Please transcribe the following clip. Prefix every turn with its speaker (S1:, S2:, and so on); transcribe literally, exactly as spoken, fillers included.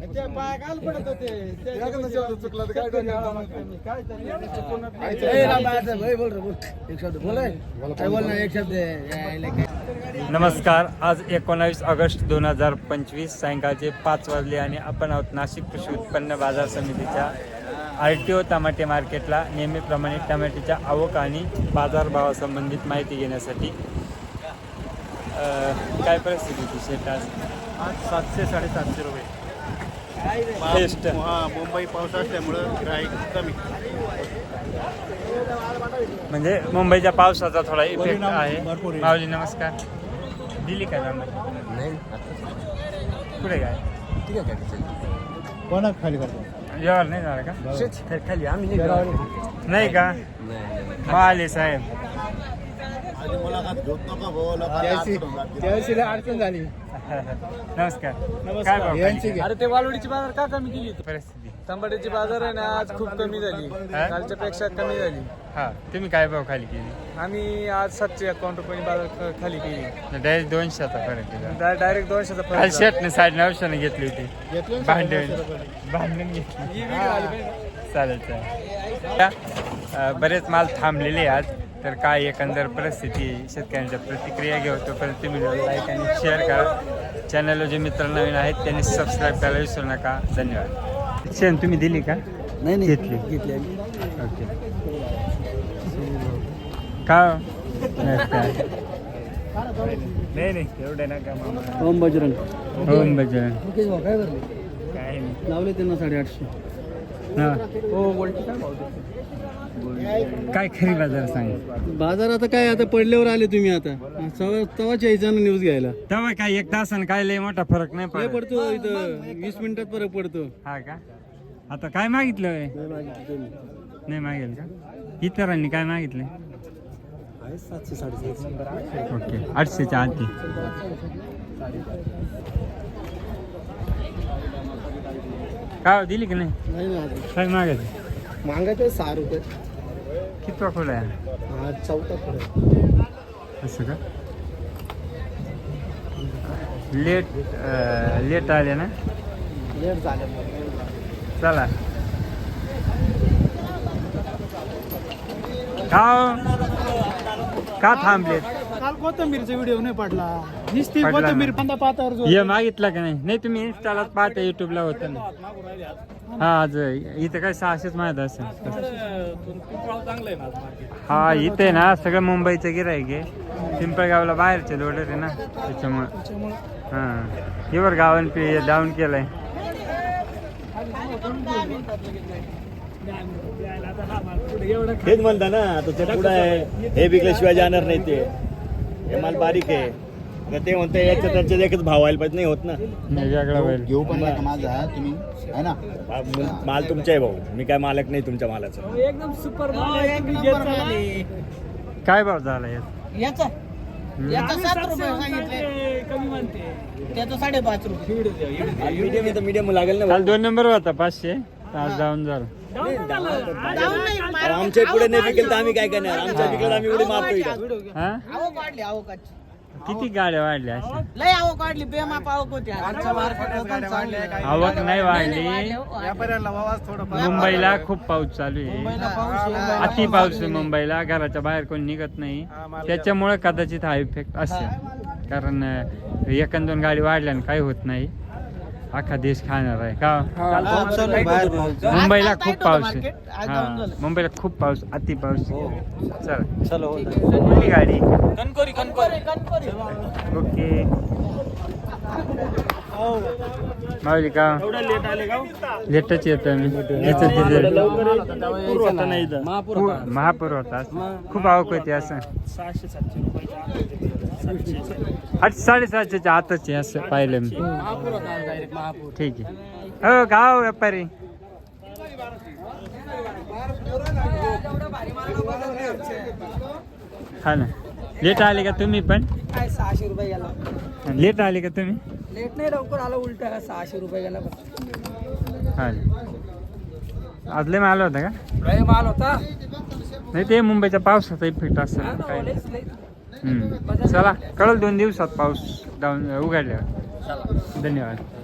S1: नमस्कार. आज एकोणावीस ऑगस्ट दोन हजार पंचवीस सायंकाळचे पाच वाजले आणि आपण आहोत नाशिक कृषी उत्पन्न बाजार समितीच्या आर टी ओ टमाटे मार्केटला. नेहमीप्रमाणे टमाट्याच्या आवक आणि बाजारभावासंबंधित माहिती घेण्यासाठी. काय परिस्थिती शेत आज?
S2: आज सातशे साडेसातशे रुपये.
S1: बेस्ट.
S2: हा, मुंबई पाऊस असल्यामुळं गिऱ्हाईक कमी.
S1: म्हणजे मुंबईच्या पावसाचा थोडा इफेक्ट आहे.
S2: भरपूर आहे.
S1: माऊली नमस्कार. दिली का नंबर?
S3: नाही
S1: कुठे काय
S3: ठीक आहे काय
S2: कोणा खाली करतो?
S1: जेवण नाही झालं का?
S3: शेत खाली आम्ही नाही
S1: नाही का? माले साहेब
S2: अडचण झाली.
S1: नमस्कार.
S2: नमस्कार.
S1: काय भाव खाली?
S4: अरे ते वालवडीची बाजार का कमी केली?
S1: परिस्थिती
S4: तांबड्याची बाजार आहे ना आज खूप कमी झाली.
S1: हा?
S4: कालच्या पेक्षा कमी झाली.
S1: हा, तुम्ही काय भाव खाली केली?
S4: आम्ही आज सातशे अकाउंट रुपयांनी बाजार ख- खाली केली.
S1: डायरेक्ट दोनशेचा फरक केला.
S4: डा- डायरेक्ट दोनशेचा
S1: काल
S4: फरक झाला.
S1: शर्टने साडे नऊशेने घेतली होती.
S2: घेतलं ना
S1: भांडण
S2: साडेनऊशे रुपये.
S1: भांडण घेतली.
S4: ही video आली पाहिजे.
S1: चालेल चालेल. अ, बरेच माल थांबलेले आज. तर काय एकंदर परिस्थिती शेतकऱ्यांच्या प्रतिक्रिया घेऊ. तोपर्यंत तुम्ही लाईक आणि शेअर करा. चॅनलवर जे मित्र नवीन आहेत त्यांनी सबस्क्राईब करायला विसरू नका. धन्यवाद. शेण तुम्ही दिली का?
S3: नाही नाही
S1: घेतली.
S3: घेतली
S1: ओके. का नाही नाही एवढे नका मामा.
S3: ओम बजरंग
S1: ओम बजरंग.
S3: मुकेश भाऊ काय भरले?
S1: काय नाही.
S3: लावले त्यांना साडेआठशे.
S1: हा.
S4: हो गोल्टी काय भाव देतो?
S1: काय खरी बाजार सांग.
S3: बाजार आता काय आता पडल्यावर आले तुम्ही आता तवा- तवाच यायचं ना न्यूज घ्यायला.
S1: तेव्हा काय एक तासानं काय लय मोठा फरक नाही
S3: काय
S1: पडत.
S3: पडतो इथं वीस मिनिटात फरक पडतो.
S1: हा का? आता काय मागितलं? नाही मागेल का? इतरांनी काय मागितलं?
S3: सातशे साडेसातशे.
S1: ओके. आठशेच्या आधी. काय दिली की नाही?
S3: नाही ना अजून
S1: काय मागायचं?
S3: मागायचं सहा रुपये.
S1: कितवा खोला आहे?
S3: हा चौथा फरक.
S1: असं का? लेट अं, लेट आले ना?
S3: लेट झालं.
S1: चला. का का थांबलेत?
S2: काल कोथंबीरचा व्हिडिओ नाही पडला. नुसती
S1: पडला
S2: कोथंबीर
S1: ना.
S2: पंधा पातावर जो
S1: ये मागितलं का नाही? नाही तुम्ही इन्स्टालाच पाहता, युट्यूबला होतं ना. हा आज इथं काय सहाशेच माहीत असेल. हा इथे ना सगळं मुंबईचं गिऱ्हाईक आहे. पिंपळगावला बाहेरचे लोडर आहे ना त्याच्यामुळं. हां हिवर गावान पे डाऊन केलंय.
S5: हेच म्हणता ना आता ते पुढं आहे. हे विकल्याशिवाय जाणार नाही. ते हे माल बारीक आहे. तर ते म्हणते याच्या त्यांच्या एकच भाव व्हायला पाहिजे. नाही होत ना.
S1: नाही वेगळा होईल.
S3: घेऊ पण नका माझा तुम्ही आहे ना.
S5: हा, माल तुमचा आहे भाऊ. मी काय मालक नाही तुमच्या मालाचा.
S4: एकदम सुपर माल आहे. तुम्ही घेत चला.
S1: काय भाव झाला यात?
S6: याचा याचा सात रुपये सांगितले.
S4: कमी म्हणते.
S6: त्याचा साडेपाच रुपये.
S5: मीडियम आहे तर मीडियम लागेल ना.
S1: काल दोन नंबर होता पाचशे. आज जाऊन झालं.
S6: जाऊन नाही,
S5: अहो, आमच्या पुढे नाही विकेल तर आम्ही काय करणार? आमच्या विकलं आम्ही एवढे मारतो इथं.
S1: हा
S6: आवक वाढली आवकाची.
S1: किती गाड्या वाढल्या अशा?
S6: लय आवक वाढली. बेमाप आवक होती आज.
S1: आवक नाही वाढली.
S2: व्यापाऱ्याला आवाज थोडं
S1: मुंबईला खूप पाऊस चालू आहे.
S6: मुंबईला पाऊस आहे.
S1: अति पाऊस आहे मुंबईला. घराच्या बाहेर कोणी निघत नाही. त्याच्यामुळे कदाचित हा इफेक्ट असेल. कारण अं, एक दोन गाडी वाढल्याने काही होत नाही. अख्खा देश खाणार आहे का? मुंबईला खूप पाऊस आहे. हा मुंबईला खूप पाऊस, अति पाऊस. चला कुठली गाडी?
S4: कणकोरी कणकोरी
S6: कणकोरी.
S1: ओके. माऊली का
S4: लेट आले का?
S1: लेटच येतो मी. याचं तिथे
S4: महापूर
S1: महापूर होता. खूप आवक होती असं.
S4: सहाशे सातशे रुपये.
S1: आठ साडेसातशेच्या आतच आहे असं पाहिलं मी.
S4: महापूर होता डायरेक्ट महापूर.
S1: ठीक आहे. हो गाव व्यापारी. हा ना. लेट आले का तुम्ही पण?
S6: काय सहाशे रुपये गेला.
S1: लेट आले का तुम्ही?
S6: लेट नाही लवकर आला. उलटा सहाशे रुपये गेला.
S1: हा. आज लय माल होता का?
S4: लय माल होता.
S1: नाही ते मुंबईच्या पावसाचा इफेक्ट असेल काय. हम्म. चला कळलं दोन दिवसात पाऊस डाऊन उघडल्यावर. धन्यवाद.